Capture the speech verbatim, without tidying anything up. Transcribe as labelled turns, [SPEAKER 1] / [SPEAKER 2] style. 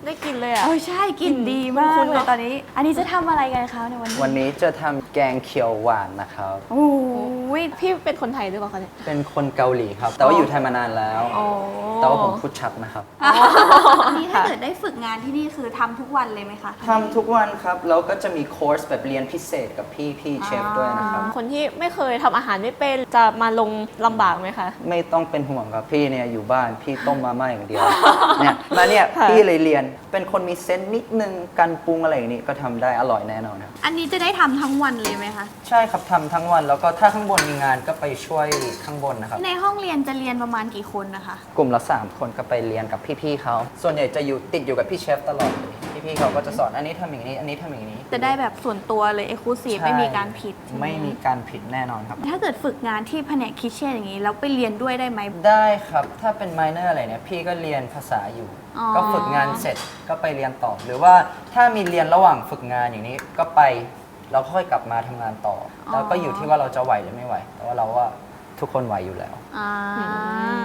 [SPEAKER 1] ได้กินเลยอ่ะ
[SPEAKER 2] เออใช่กลิ่นดีมาก
[SPEAKER 1] คุ้นๆ
[SPEAKER 2] เลย
[SPEAKER 1] เนอะ
[SPEAKER 2] ตอนนี้ อันนี้จะทำอะไรกันคะในวันนี้
[SPEAKER 3] วันนี้จะทำแกงเขียวหวานนะครับ
[SPEAKER 2] โอ้ย
[SPEAKER 1] พี่เป็นคนไทยหรือเปล่าคะเนี่ย
[SPEAKER 3] เป็นคนเกาหลีครับ แต่ว่าอยู่ไทยมานานแล้ว
[SPEAKER 1] อ๋อ
[SPEAKER 3] แต่ว่าผมพูดชัดนะครับ
[SPEAKER 2] อันนี้ถ้าเกิดได้ฝึกงานที่นี่คือทำทุกวันเลยไหมคะ
[SPEAKER 3] ทำทุกวันครับ แล้วก็จะมีคอร์สแบบเรียนพิเศษกับพี่พี่เชฟด้วยนะครับ
[SPEAKER 1] คนที่ไม่เคยทำอาหารไม่เป็นจะมาลงลำบากไหมคะ
[SPEAKER 3] ไม่ต้องเป็นห่วงครับพี่เนี่ยอยู่บ้านพี่ต้มมาม่าอย่างเดียว เนี่ยมาเนี่ย
[SPEAKER 1] ค่ะ
[SPEAKER 3] พี่เลยเรียนเป็นคนมีเซนส์นิดนึงการปรุงอะไรอย่างนี้ก็ทำได้อร่อยแน่นอนครับ
[SPEAKER 2] อันนี้จะได้ทำทั้งวันเลยไหมคะ
[SPEAKER 3] ใช่ครับทำทั้งวันแล้วก็ถ้าข้างบนมีงานก็ไปช่วยข้างบนนะครับ
[SPEAKER 2] ในห้องเรียนจะเรียนประมาณกี่คนนะคะ
[SPEAKER 3] กลุ่มละสามคนก็ไปเรียนกับพี่ๆเขาส่วนใหญ่จะอยู่ติดอยู่กับพี่เชฟตลอดเลยพี่ๆเขาก็จะสอนอันนี้ทำอย่างนี้ อันนี้ทำอย่างนี้
[SPEAKER 2] จะได้แบบส่วนตัวเลยเอ็กซ์คลูซีฟ
[SPEAKER 3] ใช่
[SPEAKER 2] ไม่มีการผิดใช่ห
[SPEAKER 3] ไม่มีการผิดแน่นอนครับ
[SPEAKER 2] ถ้าเกิดฝึกงานที่แผนกคิทเช่นอย่างนี้แล้วไปเรียนด้วยได้ไหม
[SPEAKER 3] ได้ครับถ้าเป็นไมเนอร์อะไรเนี่ยพี่ก็เรียนภาษาอยู่
[SPEAKER 2] อ๋อ
[SPEAKER 3] ก็ฝึกงานเสร็จก็ไปเรียนต่อ หรือว่าถ้ามีเรียนระหว่างฝึกงานอย่างนี้ก็ไปแล้วค่อยกลับมาทำงานต่ออแล้วก็อยู่ที่ว่าเราจะไหวหรือไม่ไหว แต่ว่าเราว่าทุกคนไหวอยู่แล้ว
[SPEAKER 2] อ่า